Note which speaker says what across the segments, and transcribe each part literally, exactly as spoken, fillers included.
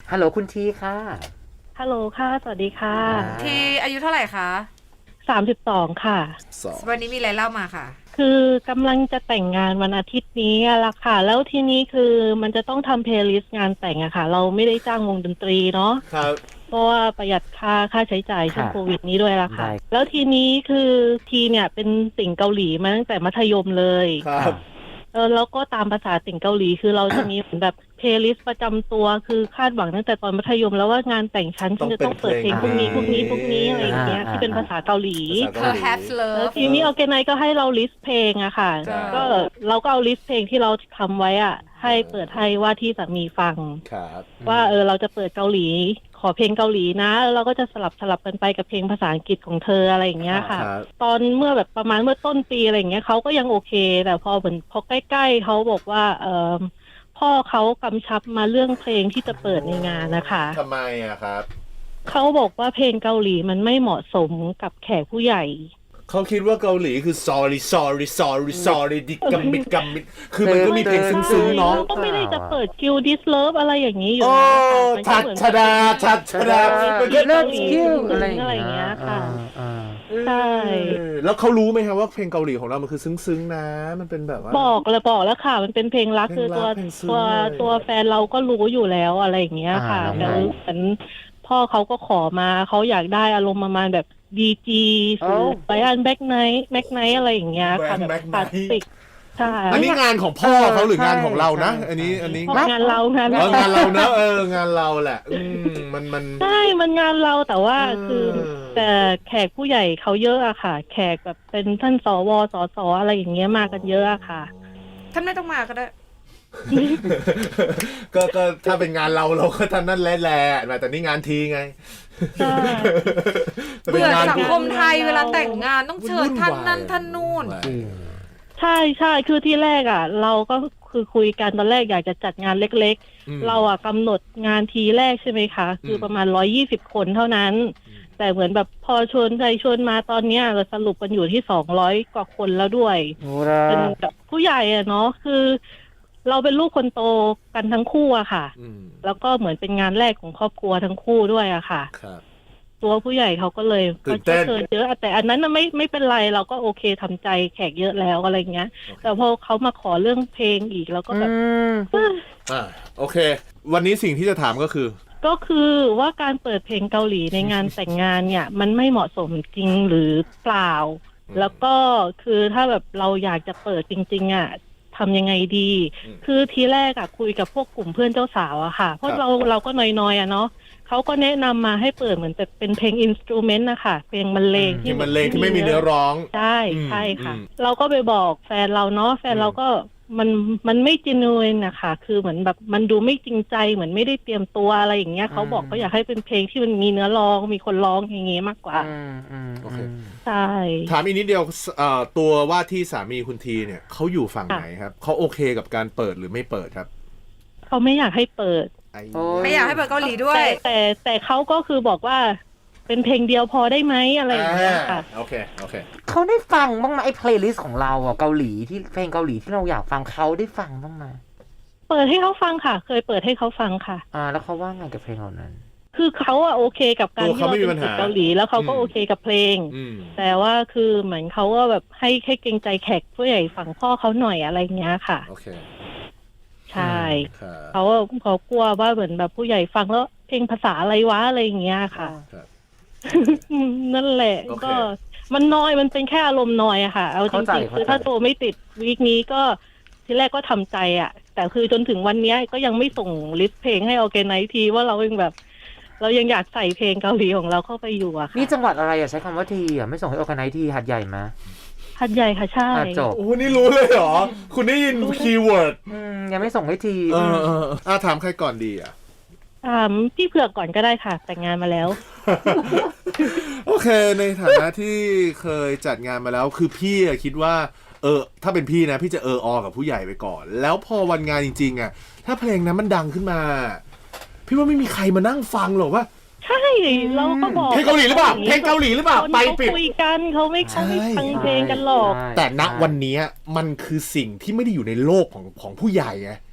Speaker 1: ฮัลโหลคุณทีค่ะ
Speaker 2: ฮัลโหลค่ะสวัสดีค่ะ
Speaker 3: ทีอายุเท่าไหร่คะ
Speaker 2: สามสิบสองค่ะ
Speaker 3: วันนี้มีอะไรเล่ามาค่ะ
Speaker 2: คือกำลังจะแต่งงานวันอาทิตย์นี้ละค่ะแล้วทีนี้คือมันจะต้องทำเพลย์ลิสต์งานแต่งอะค่ะเราไม่ได้จ้างวงดนตรีเนาะ
Speaker 4: ครับ
Speaker 2: เพราะว่าประหยัดค่าค่าใช้จ่ายช่วงโควิดนี้ด้วยละค่ะแล้วทีนี้คือทีเนี่ยเป็นติ่งเกาหลีมาตั้งแต่มัธยมเลย
Speaker 4: ครับ
Speaker 2: เออแล้วก็ตามภาษาติ่งเกาหลีคือเราจะมีเหมือนแบบเพลย์ลิสต์ประจำตัวคือคาดหวังตั้งแต่ตอนมัธยมแล้วว่างานแต่งชั้นฉันจะต้องเปิดเพลงพวกนี้พวกนี้พวกนี้อะไรอย่างเงี้ยที่เป็นภาษาเกาหลี
Speaker 3: Perhaps
Speaker 2: แล้ว
Speaker 3: Love
Speaker 2: ทีนี้ออร์แกไนซ์ก็ให้เราลิสต์เพลงอะค่ะก็เราก็เอาลิสต์เพลงที่เราทำไว้อะให้เปิดให้ว่าที่สามีฟังว่าเออเราจะเปิดเกาหลีขอเพลงเกาหลีนะแล้วเราก็จะสลับสลับกันไปกับเพลงภาษาอังกฤษของเธออะไรอย่างเงี้ยค่ะตอนเมื่อแบบประมาณเมื่อต้นปีอะไรอย่างเงี้ยเขาก็ยังโอเคแต่พอเหมือนพอใกล้ๆเขาบอกว่าเออพ่อเขากำชับมาเรื่องเพลงที่จะเปิดในงานนะคะ
Speaker 4: ทำไมอะครับ
Speaker 2: เขาบอกว่าเพลงเกาหลีมันไม่เหมาะสมกับแขกผู้ใหญ่
Speaker 4: เขาคิดว่าเกาหลีคือ sorry sorry sorry sorry ดิกัมมิดกัมมิดคือมันก็มีเพลงซึ้งๆเนาะ
Speaker 2: ก็ไม่ได้จะเปิดคิวดิสเลิฟอะไรอย่างนี้อยู่
Speaker 4: นะชัดชดาชัดชดา
Speaker 2: มันก็เลิกคิวอะไรอย่างเงี้ยค่ะใช่
Speaker 4: แล้วเขารู้ไหมครับว่าเพลงเกาหลีของเรามันคือซึ้งๆนะมันเป็นแบบว่า
Speaker 2: บอกเลยบอกแล้วค่ะมันเป็นเพลงรักคือตัวตัวตัวแฟนเราก็รู้อยู่แล้วอะไรอย่างเงี้ยค่ะแต่เหมือนพ่อเขาก็ขอมาเขาอยากได้อารมณ์ประมาณแบบดีจีคือไบอันแบ็กไนท์แบ็กไนท์อะไรอย่างเงี้ยค่ะแบบคลาสสิกใช่
Speaker 4: อันนี้งานของพ่อเขาหรืองานของเรานะอันนี้อันนี้
Speaker 2: งานเรางาน
Speaker 4: เรางานเราเนอะเอองานเราแหละอืมมันมัน
Speaker 2: ใช่มันงานเราแต่ว่าคือแต่แขกผู้ใหญ่เขาเยอะอะค่ะแขกแบบเป็นท่านสวสสอะไรอย่างเงี้ยมากันเยอะอะค่ะ
Speaker 3: ท่านไม่ต้องมาก็ได้
Speaker 4: ก็ก็ถ้าเป็นงานเราเราก็ท่านนั่นแหละแหละแต่นี่งานทีไง
Speaker 3: เบื่อสังคมไทยเวลาแต่งงานต้องเชิญท่านนั่นท่านนู่น
Speaker 2: ใช่ใช่คือที่แรกอ่ะเราก็คือคุยกันตอนแรกอยากจะจัดงานเล็กๆเราอ่ะกำหนดงานทีแรกใช่ไหมคะคือประมาณร้อยยี่สิบคนเท่านั้นแต่เหมือนแบบพอชวนใจชวนมาตอนเนี้ยเราสรุปกันอยู่ที่สองร้อยกว่าคนแล้วด้วยเป็นแบบผู้ใหญ่อ่ะเนาะคือเราเป็นลูกคนโตกันทั้งคู่อะค่ะแล้วก็เหมือนเป็นงานแรกของครอบครัวทั้งคู่ด้วยอะค่ะตัวผู้ใหญ่เขาก็เลยก็เชิญเยอะแต่อันนั้นไม่ไม่เป็นไรเราก็โอเคทำใจแขกเยอะแล้วอะไรเงี้ยแต่พอเขามาขอเรื่องเพลงอีกแล้วก็แบบ
Speaker 4: อ่าโอเควันนี้สิ่งที่จะถามก็คือ
Speaker 2: ก็คือว่าการเปิดเพลงเกาหลีในงานแต่งงานเนี่ยมันไม่เหมาะสมจริงหรือเปล่าแล้วก็คือถ้าแบบเราอยากจะเปิดจริงๆอ่ะทำยังไงดีคือทีแรกอะคุยกับพวกกลุ่มเพื่อนเจ้าสาวอะค่ะเพราะเราเราก็น้อยๆอะเนาะเขาก็แนะนำมาให้เปิดเหมือนแบบเป็นเพลงอินสตูเมนต์นะคะเพลงบรรเลง
Speaker 4: ที่บรรเลงที่ไม่มีเนื้อร้อง
Speaker 2: ใช่ใช่ค่ะเราก็ไปบอกแฟนเราเนาะแฟนเราก็มันมันไม่จริงเลยนะคะคือเหมือนแบบมันดูไม่จริงใจเหมือนไม่ได้เตรียมตัวอะไรอย่างเงี้ยเขาบอกก็อยากให้เป็นเพลงที่มันมีเนื้อร้องมีคนร้องอย่างเงี้ยมากกว่า
Speaker 4: โอเค
Speaker 2: ใช่
Speaker 4: ถามอีกนิดเดียวตัวว่าที่สามีคุณทีเนี่ยเขาอยู่ฝั่งไหนครับเขาโอเคกับการเปิดหรือไม่เปิดครับ
Speaker 2: เขาไม่อยากให้เปิด
Speaker 3: ไม่อยากให้เปิดเกาหลีด้วย
Speaker 2: แต่แต่แต่เขาก็คือบอกว่าเป็นเพลงเดียวพอได้ไหมอะไรอย่างเงี้ยค่ะ
Speaker 4: โอเคโอเค
Speaker 1: เขาได้ฟังบ้างไหมไอ้เพลย์ลิสต์ของเราอ่ะเกาหลีที่เพลงเกาหลีที่เราอยากฟังเขาได้ฟังบ้างไหม
Speaker 2: เปิดให้เขาฟังค่ะเคยเปิดให้เขาฟังค่ะ
Speaker 1: อ่าแล้วเขาว่าไงกับเพลงเหล่านั้น
Speaker 2: คือเขาอะโอเคกับการที่เราเป็นเกาหลีแล้วเขาก็โอเคกับเพลงแต่ว่าคือเหมือนเขาก็แบบให้ให้เกรงใจแขกผู้ใหญ่ฝั่งพ่อเขาหน่อยอะไรเงี้ยค่ะ
Speaker 4: โอเค
Speaker 2: ใช่เขาเขากลัวว่าเหมือนแบบผู้ใหญ่ฟังแล้วเพลงภาษาอะไรวะอะไรอย่างเงี้ยค่ะนั่นแหละก็มันน้อยมันเป็นแค่อารมณ์น้อยอะค่ะเอาจริงๆคือถ้าโตไม่ติดวีคนี้ก็ทีแรกก็ทำใจอะแต่คือจนถึงวันนี้ก็ยังไม่ส่งลิสต์เพลงให้ออร์แกไนซ์ทีว่าเรายังแบบเรายังอยากใส่เพลงเกาหลีของเราเข้าไปอยู่อะค่ะ
Speaker 1: นี่จังหวัดอะไรอะใช้คำว่าทีอะไม่ส่งให้ออร์แกไนซ์ทีหัดใหญ่มา
Speaker 2: หัดใหญ่ค่ะใช่
Speaker 1: จบ
Speaker 4: โอ้นี่รู้เลยเหรอคุณได้ยินคีย์เวิร์ด
Speaker 1: ยังไม่ส่งให้ที
Speaker 4: เออเออถามใครก่อนดีอ่ะ
Speaker 2: ถามพี่เผือกก่อนก็ได้ค่ะแต่งงานมาแล้ว
Speaker 4: โอเคในฐานะที่เคยจัดงานมาแล้วคือพี่คิดว่าเออถ้าเป็นพี่นะพี่จะเอออกับผู้ใหญ่ไปก่อนแล้วพอวันงานจริงๆอ่ะถ้าเพลงนั้นมันดังขึ้นมาพี่ว่าไม่มีใครมานั่งฟังหรอกว่า
Speaker 2: ใช่เราก็บอก
Speaker 4: เพลงเกาหลีหรือเปล่าเพลงเกาหลีหรือเปล่าไปปิด
Speaker 2: คุยกันเขาไม่เขาไม่ฟังเพลงกันหรอก
Speaker 4: แต่ณวันนี้มันคือสิ่งที่ไม่ได้อยู่ในโลกของของผู้ใหญ่ไง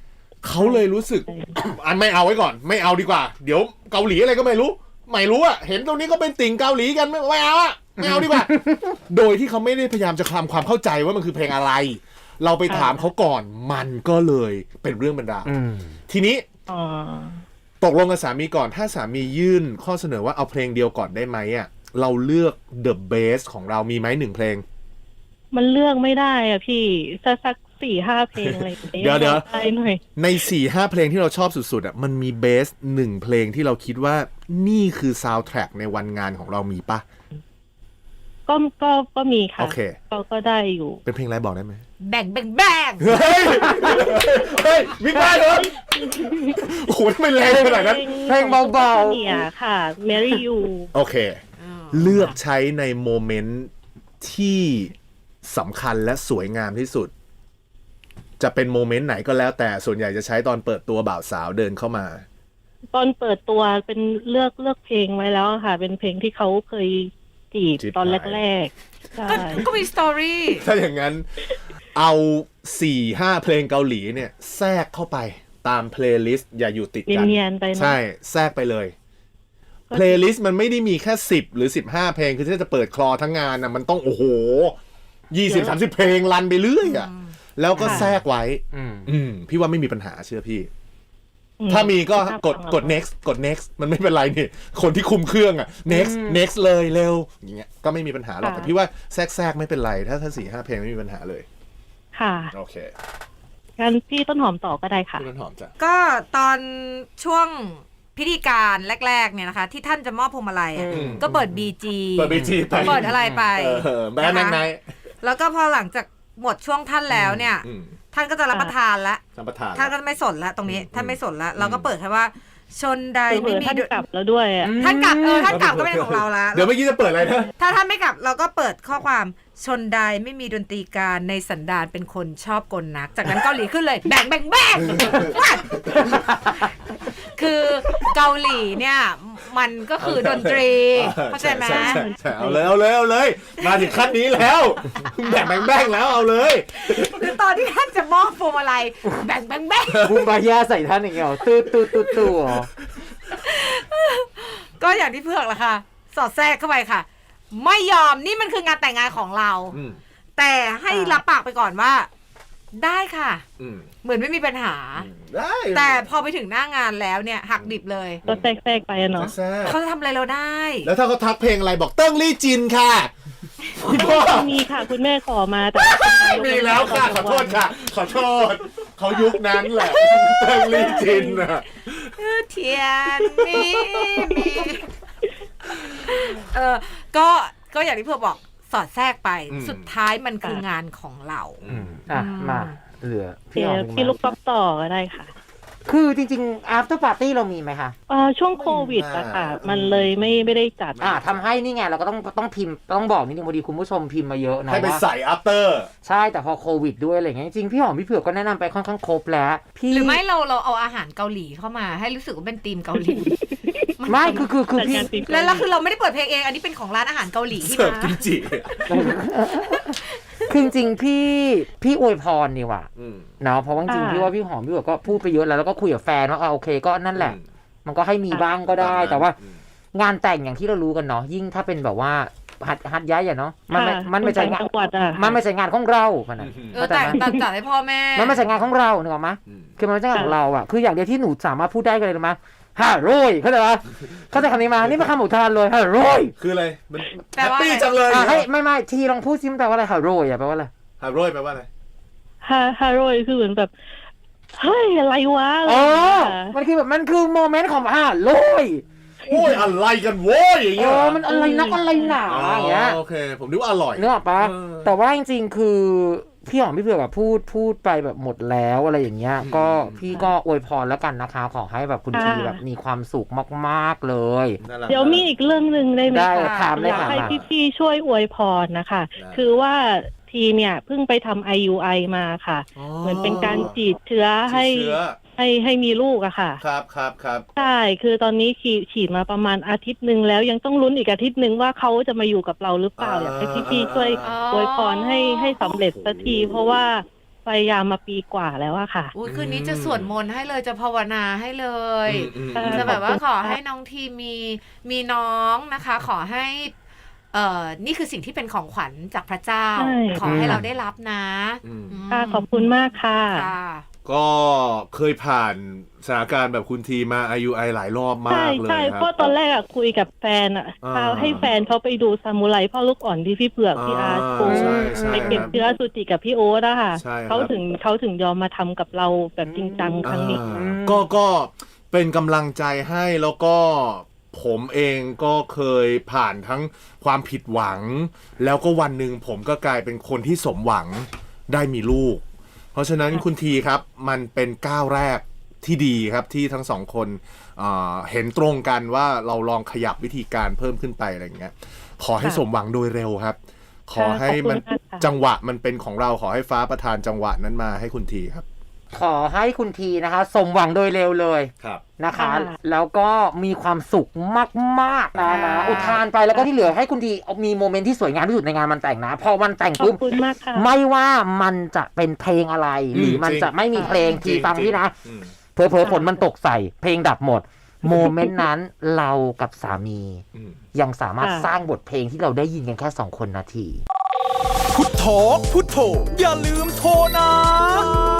Speaker 4: เขาเลยรู้สึก อันไม่เอาไว้ก่อน ไม่เอาดีกว่า เดี๋ยวเกาหลีอะไรก็ไม่รู้ ไม่รู้อะเห็นตรงนี้ก็เป็นติ่งเกาหลีกันไม่ไม่เอาอะไม่เอาดีกว่า โดยที่เขาไม่ได้พยายามจะทำความเข้าใจว่ามันคือเพลงอะไร เราไปถามเขาก่อนมันก็เลยเป็นเรื่องเป็นราวทีนี้
Speaker 2: อ๋อ
Speaker 4: ตกลงกับสามีก่อนถ้าสามียื่นข้อเสนอว่าเอาเพลงเดียวก่อนได้ไหมอ่ะเราเลือก The Best ของเรามีไหมหนึ่งเพลง
Speaker 2: มันเลือกไม่ได้อ่ะพี่สักสักสี่ห้าเพลงอะไรอย่างงี้
Speaker 4: เดี๋ยวเดี๋ยว
Speaker 2: ได้หน่อย
Speaker 4: ใน สี่ห้า เพลงที่เราชอบสุดๆอ่ะมันมีเบสหนึ่งเพลงที่เราคิดว่านี่คือซาวด์แทร็กในวันงานของเรามีปะ
Speaker 2: ก็ก็ก็มีค่ะ
Speaker 4: โอเค
Speaker 2: ก็ก็ได้อยู่
Speaker 4: เป็นเพลงอะไรบอกได้ไหม
Speaker 3: แบ่งแบ่งแบ่ง
Speaker 4: เฮ้ยเฮ้ยมิกบ้านเหรอโอ้โหทำไมแรงขนาดนั้น
Speaker 1: เพลงเบาๆ
Speaker 2: เนี่ยค่ะ Marry You
Speaker 4: โอเค เลือกใช้ในโมเมนต์ที่สำคัญและสวยงามที่สุด จะเป็นโมเมนต์ไหนก็แล้วแต่ส่วนใหญ่จะใช้ตอนเปิดตัวบ่าวสาวเดินเข้ามา
Speaker 2: ตอนเปิดตัวเป็นเลือกเลือกเพลงไว้แล้วค่ะ เป็นเพลงที่เขาเคยจีบ
Speaker 4: จีบ
Speaker 2: ตอน
Speaker 4: ไป
Speaker 2: แรกๆใช่
Speaker 3: ก็ก็มีสตอรี่
Speaker 4: ถ้าอย่างนั้นเอาสี่ห้าเพลงเกาหลีเนี่ยแทรกเข้าไปตามเพลย์ลิสต์อย่าอยู่ติดกัน
Speaker 2: เนียนๆไปเนอะ
Speaker 4: ใช่แทรกไปเลยเพลย์ลิสต์มันไม่ได้มีแค่สิบหรือสิบห้าเพลงคือถ้าจะเปิดคลอทั้งงานนะมันต้องโอ้โหยี่สิบสามสิบเพลงรันไปเรื่อยอ่ะแล้วก็แทรกไว้
Speaker 1: อืม
Speaker 4: อืมพี่ว่าไม่มีปัญหาเชื่อพี่
Speaker 2: อืม
Speaker 4: ถ้ามีก็กด
Speaker 2: ฟัง
Speaker 4: กด next กด next มันไม่เป็นไรนี่คนที่คุมเครื่องอ่ะ next next เลยเร็วอย่างเงี้ยก็ไม่มีปัญหาหรอกแต่พี่ว่าแทรกแทรกไม่เป็นไรถ้าถ้าสี่ห้าเพลงไม่มีปัญหาเลย
Speaker 2: ค่ะ
Speaker 4: โอเค
Speaker 2: งั้นพี่ต้นหอมต่อก็ได้ค่ะ
Speaker 4: คุณต้นหอมจ้ะ
Speaker 3: ก็ตอนช่วงพิธีการแรกๆเนี่ยนะคะ ที่ท่านจะมอบพวงมาลัยอะ
Speaker 1: อืม
Speaker 3: ก็เปิดบีจี
Speaker 4: เปิด บี จี ไป
Speaker 3: เปิดอะไรไป
Speaker 4: เออแบนแมงไนท์
Speaker 3: แล้วก็พอหลังจากหมดช่วงท่านแล้วเนี่ย
Speaker 4: อืม
Speaker 3: ท่านก็จะรับประทานแล้ว
Speaker 4: ท่านประธาน
Speaker 3: ท่านก็ไม่สนแล้วตรงนี้
Speaker 4: อืม
Speaker 3: ท่านไม่สนแล้ว เราก็เปิดแค่ว่า ชนใด
Speaker 2: คือเหมื
Speaker 3: ไม่
Speaker 2: อน
Speaker 3: มี
Speaker 2: ท่าน
Speaker 3: ดุ
Speaker 2: กลับแล้วด้วยอ่ะ
Speaker 3: ท่านกลับเออท่านกลับก็ไม่เป็นของเราละ
Speaker 4: เดี๋ยวเมื่อกี้จะเปิดอะไรนะ
Speaker 3: ถ้าท่านไม่กลับเราก็เปิดข้อความชนใดไม่มีดนตรีการในสันดานเป็นคนชอบกลนัก จากนั้นเกาหลีขึ้นเลยแบ่งแบ่งแบ่ง คือเกาหลีเนี่ยมันก็คือดนตรีเข้าใจไหม
Speaker 4: ช่ช่ใช่เอาเลยเอาเลยเอาเลย มาถึงขั้นนี้แล้วแบ่งแบ่งแบ่งแล้วเอาเลย
Speaker 3: คือตอนที่ท่านจะมอบพวงมาลัยแบ่งแบ่งแบ่ง
Speaker 1: บูมบายาใส่ท่านอย่างเงี้ยเหรอตื้อตื้อตื้อตื้อเหรอ
Speaker 3: ก็อย่างที่เผือกแหละค่ะ สอดแทรกเข้าไปค่ะ ไม่ยอมนี่มันคืองานแต่งงานของเรา
Speaker 4: อืม
Speaker 3: แต่ให้รับปากไปก่อนว่า ได้ค่ะ
Speaker 4: อืม
Speaker 3: เหมือนไม่มีปัญหา
Speaker 4: ได้
Speaker 3: แต่พอไปถึงหน้างานแล้วเนี่ย หักดิบเลย
Speaker 2: ก็แทรกๆไปอะเนาะ
Speaker 4: แซ่บ
Speaker 3: เขาจะทำอะไรเราได้
Speaker 4: แล้วถ้าเขาทักเพลงอะไรบอกเติ้งลี่จินค่ะคุณพ่อ
Speaker 2: มีค่ะ คุณแม่ขอมาแต่
Speaker 4: มีแล้วค่ะขอโทษค่ะ ขอโทษเขายุคนั้นแหละเติ้งลี่จินอ่ะ
Speaker 3: เทียนมีมีเออก็ก็อย่างที่เพื่อบอกสอดแทรกไป
Speaker 4: อืม
Speaker 3: สุดท้ายมันคืองานของเรา
Speaker 4: อืม
Speaker 1: อ่ะมาเหลือพี่
Speaker 2: เดี๋
Speaker 1: อ
Speaker 2: ยว
Speaker 1: อม
Speaker 2: พี่ลูกป๊อปต่อก็ได้ค่ะ
Speaker 1: คือจริงๆ after party เรามีไหมคะ
Speaker 2: เอ่อช่วงโควิดอะค่ะ มันเลยไม่ไม่ได้จัด
Speaker 1: อ่าทำให้นี่ไงเราก็ต้องต้องพิมพ์ต้องบอกนิดนึงพอดีคุณผู้ชมพิมพ์มาเยอะนะ
Speaker 4: ให้ไป
Speaker 1: ว่า
Speaker 4: ใส่ after
Speaker 1: ใช่แต่พอโควิดด้วยอะไรเงี้ยจริงๆพี่หอมพี่เผือกก็แนะนำไปค่อนข้างครบแล้วพี่
Speaker 3: หรือไม่เราเราเอาอาหารเกาหลีเข้ามา ให้รู้สึกว่าเป็นธีมเกาหลี
Speaker 1: ไม่คือคือคือ
Speaker 2: จัด
Speaker 1: พี่
Speaker 2: งานปี
Speaker 3: แล้วแล้วคือเราไม่ได้เปิดเพลงเองอันนี้เป็นของร้านอาหารเกาหลีที่
Speaker 4: เสิร์ฟ
Speaker 3: มา
Speaker 4: กิมจิ
Speaker 1: คือจริงๆพี่พี่อวยพรนี่ว่ะ
Speaker 4: อืม
Speaker 1: เนาะเพราะว่าจริงๆพี่ว่าพี่หอมพี่เผือกก็พูดไปเยอะแล้วแล้วก็คุยกับแฟนว่าอ่าโอเคก็นั่นแหละ
Speaker 4: อืม
Speaker 1: มันก็ให้มีบ้างก็ได้ แต่ว่า
Speaker 4: อืม
Speaker 1: งานแต่งอย่างที่เรารู้กันเนาะยิ่งถ้าเป็นแบบว่าหัดหัดย้ายอะเนาะมันไม่
Speaker 2: ค่ะ
Speaker 1: มันไม่ใช่
Speaker 2: ต่าง
Speaker 1: งาน
Speaker 2: จังหวัดอะ
Speaker 1: มันไม่ใช่งานของเราขนาด
Speaker 3: เออแต่แต่จัดให้พ่อแม่
Speaker 1: มันไม่ใช่งานของเรานึกออกไหม
Speaker 4: อืม
Speaker 1: คือมันไม่ใช่งานของเราอ่ะคืออย่างเดียวที่หนูสามารถพูดได้กันเลยรู้ไหมฮ่าโรยเข้าใจปะเข้าใจคำนี้มานี่เป็นคำอุทานเลยฮ่าโรย
Speaker 4: คืออะไร มัน
Speaker 3: แปล
Speaker 4: แฮป
Speaker 3: ว่า
Speaker 4: ปี้
Speaker 3: อะไร
Speaker 4: จังเลย
Speaker 1: อ่ะให้ไม่ไม่ทีลองพูดซิมนแปลว่าอะไรฮ่าโรยอ่ะแปลว่าอะไร
Speaker 4: ฮาโร่แปลว่าอะไร
Speaker 2: ฮาฮาโรยคือเหมือนแบบเฮ้ยอะไรวะอะไร
Speaker 1: อ๋อ
Speaker 2: อย่างเงี้ย
Speaker 1: มันคือแบบมันคือโมเมนต์ของฮ่าโรย
Speaker 4: โอ้ยอะไรกันโว้ยอย่าง
Speaker 1: เอ
Speaker 4: เงี้ย
Speaker 1: อมันอะไรนักอะไรหนาอย่างเงี้ย
Speaker 4: โอเค ผมนึกว่าอร่อย
Speaker 1: นึกออกปะ
Speaker 4: เออ
Speaker 1: แต่ว่าจริงๆคือพี่หอมพี่เผือกแบบพูดพูดไปแบบหมดแล้วอะไรอย่างเงี้ย
Speaker 4: อืม
Speaker 1: ก็พี่ก็อวยพรแล้วกันนะคะ ขอให้แบบคุณทีแบบมีความสุขมากๆเลย
Speaker 4: นั่นแหละ
Speaker 2: เดี๋ยวมีอีกเรื่องหนึ่งได้ไหม
Speaker 1: ได้
Speaker 2: คะ
Speaker 1: ถามเลย
Speaker 2: อยาก
Speaker 1: ค่ะ
Speaker 2: ให้พี่ๆช่วยอวยพรนะคะ
Speaker 4: ได้
Speaker 2: คือว่าทีเนี่ยเพิ่งไปทำ ไอ ยู ไอ มาค่ะ เหมือนเป็นการฉีดเชื้อให้
Speaker 4: ฉีดเชื้อ
Speaker 2: ให้ให้มีลูกอะค่ะ
Speaker 4: ครับครับครับ
Speaker 2: ใช่ คือตอนนี้ฉีดฉีดมาประมาณอาทิตย์หนึ่งแล้วยังต้องลุ้นอีกอาทิตย์หนึ่งว่าเขาจะมาอยู่กับเราหรือเปล่า อยากให้พี่ๆช่วย
Speaker 3: อ๋อ
Speaker 2: อวยพรให้ให้สำเร็จสักที เพราะว่าพยายามมาปีกว่าแล้วอะค่ะ
Speaker 3: อุ้ยคืนนี้จะสวดมนต์ให้เลยจะภาวนาให้เลย
Speaker 4: อืม
Speaker 2: อืม
Speaker 3: จะแบบว่า
Speaker 2: ขอบคุณ
Speaker 3: ขอ
Speaker 2: ค่ะ
Speaker 3: ให้น้องทีมีมีน้องนะคะ ขอให้เอ่อนี่คือสิ่งที่เป็นของขวัญจากพระเจ้า
Speaker 2: ใช่
Speaker 3: ขอให้เราได้รับนะ
Speaker 4: อืม
Speaker 3: ม
Speaker 2: ค่ะขอบคุณมากค่ะ
Speaker 3: ค่ะ
Speaker 4: ก็เคยผ่านสถานการณ์แบบคุณทีมา ไอ ยู ไอ หลายรอบมา
Speaker 2: ใช่
Speaker 4: กเลย
Speaker 2: ใช่
Speaker 4: ค
Speaker 2: เพ
Speaker 4: รับ
Speaker 2: ราะตอนแรกอะคุยกับแฟนอะ
Speaker 4: อ่า
Speaker 2: พาให้แฟนเขาไปดูซามูไรพ่อลูกอ่อนที่พี่เผือกพี่อาร์ตโช
Speaker 4: ใช่
Speaker 2: ว์
Speaker 4: ใช่
Speaker 2: ไปเก็บ
Speaker 4: ครับ
Speaker 2: เชื้อสุจิกับพี่โอ๊ตอะค่ะ
Speaker 4: ใช่ครับ
Speaker 2: เขาถึงเขาถึงยอมมาทำกับเราแบบจริงจังครั้งนี้
Speaker 4: อ่าก็ก็เป็นกำลังใจให้แล้วก็ผมเองก็เคยผ่านทั้งความผิดหวัง แล้วก็วันหนึ่งผมก็กลายเป็นคนที่สมหวังได้มีลูก เพราะฉะนั้นคุณทีครับมันเป็นก้าวแรกที่ดีครับที่ทั้งสองคนเอ่อเห็นตรงกันว่าเราลองขยับวิธีการเพิ่มขึ้นไปอะไรอย่างเงี้ยขอให้
Speaker 2: ค่ะ
Speaker 4: สมหวังโดยเร็วครับ ขอให้มัน
Speaker 2: ขอบคุณมากค่ะ
Speaker 4: จังหวะมันเป็นของเราขอให้ฟ้าประทานจังหวะนั้นมาให้คุณทีครับ
Speaker 1: ขอให้คุณทีนะคะ สมหวังโดยเร็วเลย
Speaker 4: ครับ
Speaker 1: นะคะ
Speaker 2: ค่ะ
Speaker 1: แล้วก็มีความสุขมากๆนะนะ
Speaker 3: ค่ะ
Speaker 1: อุทานไปแล้วก็ที่เหลือให้คุณทีมีโมเมนต์ที่สวยงามที่สุดในงานมันแต่งนะ พอวันแต่ง
Speaker 2: ขอ
Speaker 1: ปุ๊
Speaker 2: บบ คุณมากค่ะ
Speaker 1: ไม่ว่ามันจะเป็นเพลงอะไร หรือมันจะไม่มีเพลงทีฟังพี่นะ
Speaker 4: อืม
Speaker 1: เผลอๆฝนมันตกใส่เพลงดับหมด โมเมนต์นั้นเรากับสามี
Speaker 4: อืม
Speaker 1: ยังสามารถ
Speaker 2: ค่ะ
Speaker 1: สร้างบทเพลงที่เราได้ยินกันแค่สองคนนาที
Speaker 5: พุทโธพุทโธอย่าลืมโทรนะ